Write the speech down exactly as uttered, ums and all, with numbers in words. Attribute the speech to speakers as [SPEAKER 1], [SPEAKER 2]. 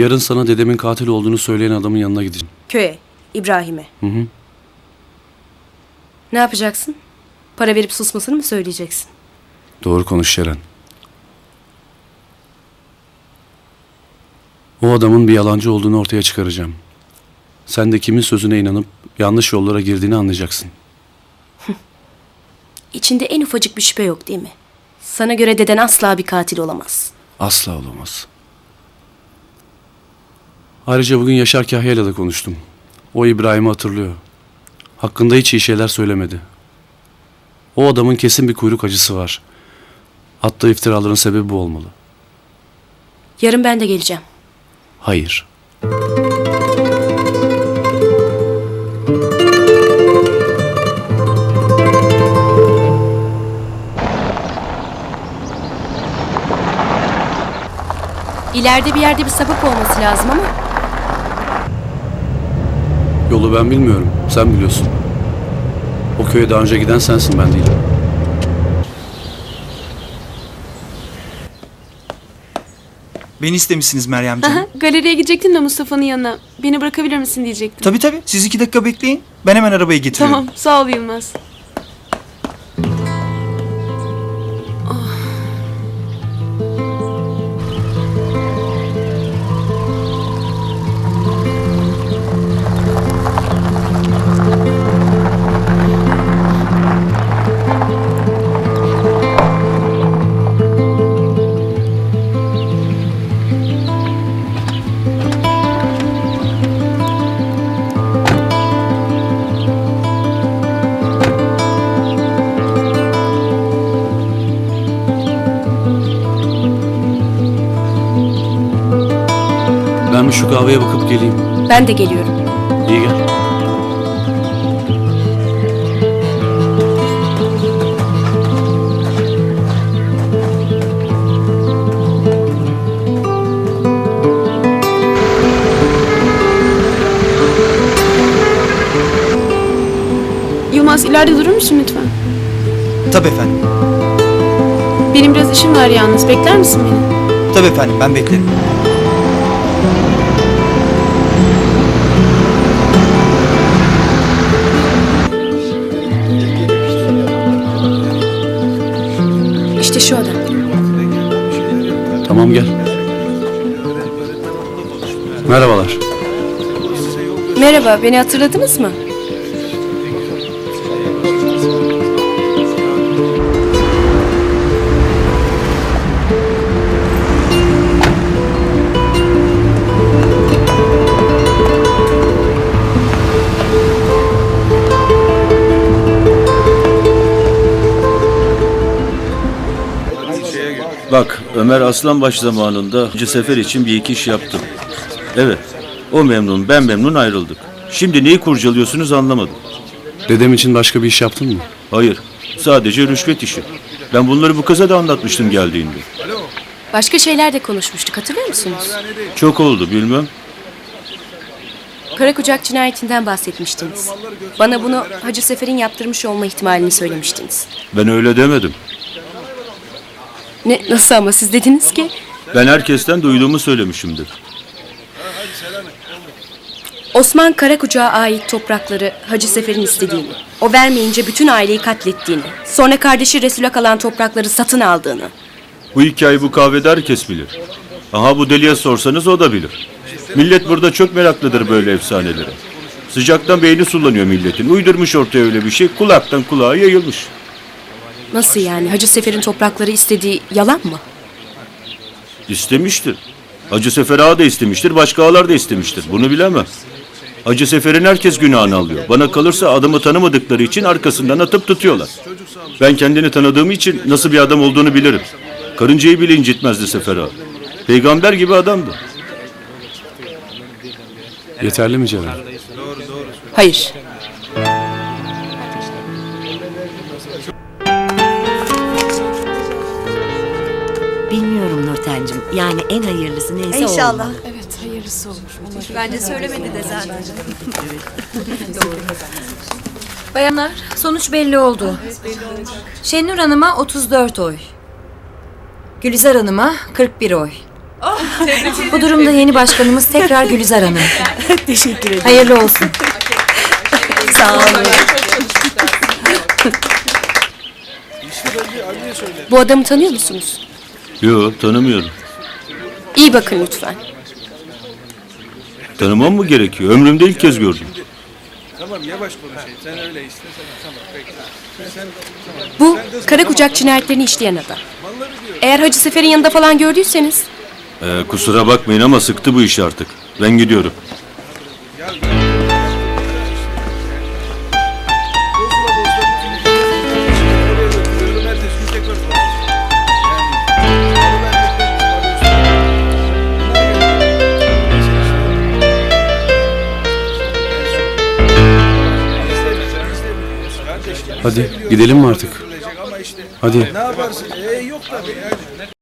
[SPEAKER 1] Yarın sana dedemin katil olduğunu söyleyen adamın yanına gideceğim.
[SPEAKER 2] Köye, İbrahim'e.
[SPEAKER 1] Hı hı.
[SPEAKER 2] Ne yapacaksın? Para verip susmasını mı söyleyeceksin?
[SPEAKER 1] Doğru konuş Şeren. O adamın bir yalancı olduğunu ortaya çıkaracağım. Sen de kimin sözüne inanıp yanlış yollara girdiğini anlayacaksın.
[SPEAKER 2] İçinde en ufacık bir şüphe yok değil mi? Sana göre deden asla bir katil olamaz.
[SPEAKER 1] Asla olamaz. Ayrıca bugün Yaşar Kahya'yla da konuştum. O İbrahim'i hatırlıyor. Hakkında hiç iyi şeyler söylemedi. O adamın kesin bir kuyruk acısı var. Attığı iftiraların sebebi bu olmalı.
[SPEAKER 2] Yarın ben de geleceğim.
[SPEAKER 1] Hayır.
[SPEAKER 2] İleride bir yerde bir sapık olması lazım ama...
[SPEAKER 1] Yolu ben bilmiyorum. Sen biliyorsun. O köye daha önce giden sensin, ben değilim.
[SPEAKER 3] Beni istemişsiniz Meryemciğim.
[SPEAKER 4] Aha, galeriye gidecektim de Mustafa'nın yanına. Beni bırakabilir misin diyecektim.
[SPEAKER 3] Tabii tabii. Siz iki dakika bekleyin. Ben hemen arabayı getiriyorum.
[SPEAKER 4] Tamam, sağ ol Yılmaz.
[SPEAKER 1] Ben bir şu kahveye bakıp geleyim.
[SPEAKER 2] Ben de geliyorum.
[SPEAKER 1] İyi gel.
[SPEAKER 4] Yılmaz, ileride durur musun lütfen?
[SPEAKER 3] Tabii efendim.
[SPEAKER 4] Benim biraz işim var yalnız. Bekler misin beni?
[SPEAKER 3] Tabii efendim. Ben beklerim.
[SPEAKER 2] İşte şu adam.
[SPEAKER 1] Tamam, gel. Merhabalar.
[SPEAKER 2] Merhaba, beni hatırladınız mı?
[SPEAKER 5] Bak, Ömer Aslanbaş zamanında Hacı Sefer için bir iki iş yaptım. Evet, o memnun, ben memnun ayrıldık. Şimdi neyi kurcalıyorsunuz anlamadım.
[SPEAKER 1] Dedem için başka bir iş yaptın mı?
[SPEAKER 5] Hayır, sadece rüşvet işi. Ben bunları bu kıza da anlatmıştım geldiğinde.
[SPEAKER 2] Başka şeyler de konuşmuştuk, hatırlıyor musunuz?
[SPEAKER 5] Çok oldu, bilmem.
[SPEAKER 2] Karakucak cinayetinden bahsetmiştiniz. Bana bunu Hacı Sefer'in yaptırmış olma ihtimalini söylemiştiniz.
[SPEAKER 5] Ben öyle demedim.
[SPEAKER 2] Ne, nasıl ama siz dediniz ki?
[SPEAKER 5] Ben herkesten duyduğumu söylemişimdir.
[SPEAKER 2] Osman Karakucak'a ait toprakları Hacı Sefer'in istediğini, o vermeyince bütün aileyi katlettiğini, sonra kardeşi Resul'e kalan toprakları satın aldığını.
[SPEAKER 5] Bu hikayeyi bu kahvede herkes bilir. Aha bu deliye sorsanız o da bilir. Millet burada çok meraklıdır böyle efsanelere. Sıcaktan beyni sulanıyor milletin. Uydurmuş ortaya öyle bir şey, kulaktan kulağa yayılmış.
[SPEAKER 2] Nasıl yani? Hacı Sefer'in toprakları istediği yalan mı?
[SPEAKER 5] İstemiştir. Hacı Sefer Ağa da istemiştir, başka ağalar da istemiştir. Bunu bilemem. Hacı Sefer'in herkes günahını alıyor. Bana kalırsa adamı tanımadıkları için arkasından atıp tutuyorlar. Ben kendini tanıdığım için nasıl bir adam olduğunu bilirim. Karıncayı bile incitmezdi Sefer Ağa. Peygamber gibi adamdı.
[SPEAKER 1] Yeterli mi Ceren?
[SPEAKER 2] Hayır.
[SPEAKER 6] Bilmiyorum Nurten'cim. Yani en hayırlısı neyse
[SPEAKER 7] İnşallah.
[SPEAKER 6] olmalı.
[SPEAKER 4] Evet, hayırlısı olur.
[SPEAKER 7] Bence söylemedi de zaten.
[SPEAKER 6] Bayanlar, sonuç belli oldu. Şenur Hanım'a otuz dört oy. Gülizar Hanım'a kırk bir oy. Bu durumda yeni başkanımız tekrar Gülizar Hanım.
[SPEAKER 2] Teşekkür ederim.
[SPEAKER 6] Hayırlı olsun.
[SPEAKER 2] Sağ olun. Bu adamı tanıyor musunuz?
[SPEAKER 5] Yok, tanımıyorum.
[SPEAKER 2] İyi bakın lütfen.
[SPEAKER 5] Tanımam mı gerekiyor? Ömrümde ilk kez gördüm.
[SPEAKER 2] Bu Karakucak cinayetlerini işleyen adam. Eğer Hacı Sefer'in yanında falan gördüyseniz
[SPEAKER 5] Ee, kusura bakmayın ama sıktı bu iş artık. Ben gidiyorum.
[SPEAKER 1] Hadi gidelim mi artık? Hadi.